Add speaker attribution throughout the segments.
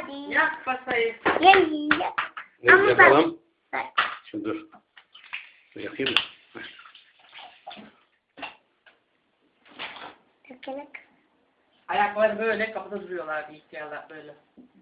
Speaker 1: hadi.
Speaker 2: Yak pasayı.
Speaker 1: Gel.
Speaker 3: Evet,
Speaker 1: Ama
Speaker 3: yapalım.
Speaker 1: bak.
Speaker 3: Şimdi dur. Dur yakayım mı?
Speaker 1: Takılık.
Speaker 2: Ayakları böyle kapıda duruyorlardı ihtiyarlar böyle.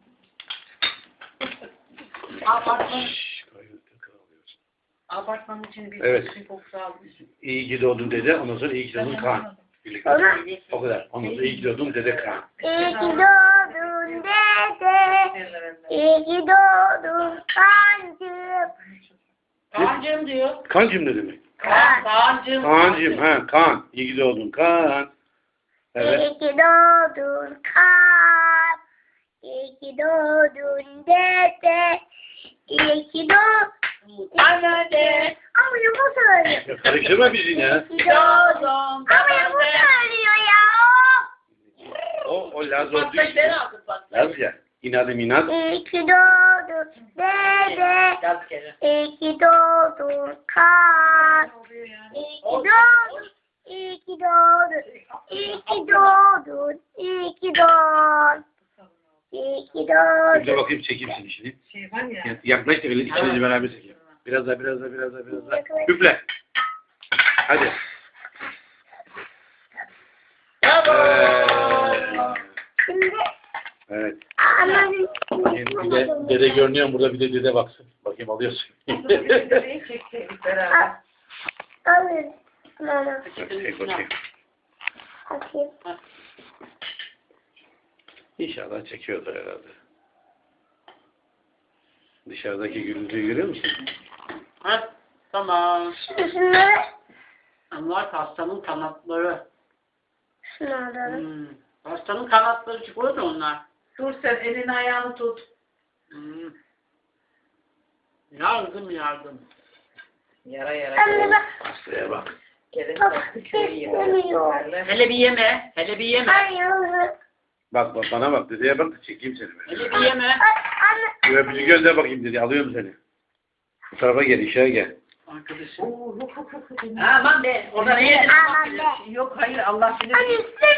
Speaker 2: Apartman,
Speaker 3: Şşş, kaynattın, kırılıyorsun.
Speaker 2: apartmanın içinde bir
Speaker 3: Evet.
Speaker 2: bir kokusu almış.
Speaker 3: İyi ki doğdun dede, ondan sonra iyi ki doğdun Kaan. Birlikte.
Speaker 1: Sonra
Speaker 3: O kadar. Ondan sonra iyi ki doğdun dede Kaan.
Speaker 1: iyi ki doğdun dede. İyi ki doğdun kancım.
Speaker 2: Kaan'cığım diyor.
Speaker 3: Kaan'cım ne demek?
Speaker 2: Kaan'cığım.
Speaker 3: Kaan'cım, ha Kaan. İyi ki doğdun Kaan. Evet.
Speaker 1: İyi ki doğdun kan. İyi ki doğdun dede. İyi ki doğdun dede. Ama yumur söylüyor.
Speaker 3: Ya karıştırma bizi ya.
Speaker 1: İyi ki doğdun. Ama yumur söylüyor ya.
Speaker 3: O Laz olduğu
Speaker 2: Pastayı
Speaker 3: için.
Speaker 2: ben aldım pastayı.
Speaker 3: Laz ya. İnadım inat.
Speaker 1: İyi ki doğdun dede.
Speaker 2: Yaz kere.
Speaker 1: İyi ki doğdun kan. İyi ki doğdun. İyi ki doğdun. İyi ki doğdun. İyi ki doğdun. İyi ki
Speaker 3: Bir de
Speaker 1: doğdun.
Speaker 3: bakayım çekeyim seni şimdi.
Speaker 2: Şey var ya.
Speaker 3: Yaklaş da öyle ikinizi beraber çekeyim. Biraz daha, biraz daha, biraz daha, biraz daha. Üfle. Hadi.
Speaker 1: Şimdi
Speaker 3: Evet.
Speaker 1: annemin
Speaker 3: Bir de dede görünüyor mu? Burada bir de dede baksın. Bakayım alıyorsun.
Speaker 2: Dedeyi çektik beraber.
Speaker 1: alır. Mama.
Speaker 3: Çek bakayım.
Speaker 1: Bakayım.
Speaker 3: İnşallah çekiyordur herhalde. Dışarıdaki gürültüyü görüyor musun?
Speaker 2: Ha, tamam.
Speaker 1: Şunları.
Speaker 2: Onlar hastanın kanatları.
Speaker 1: Şunu alalım.
Speaker 2: Hastanın kanatları çıkıyor da onlar. Dur sen elini ayağını tut. Yardım yardım. Yara yara.
Speaker 1: Anne bak.
Speaker 3: Hastaya bak.
Speaker 1: Bak. Besleniyor.
Speaker 2: Hele bir yeme. Hele bir yeme.
Speaker 1: Hayır.
Speaker 3: Bak bak bana bak. Dedeye bak da çekeyim seni. Böyle.
Speaker 2: Hele bir yeme.
Speaker 1: Anne.
Speaker 3: Bir öpücük gönder bakayım dedi. Alıyorum seni. Bu tarafa gel. İşe gel.
Speaker 2: Arkadaşım. Aman be. Orada ne yedin?
Speaker 1: Aman be.
Speaker 2: Yok hayır Allah bilir.
Speaker 1: Anne.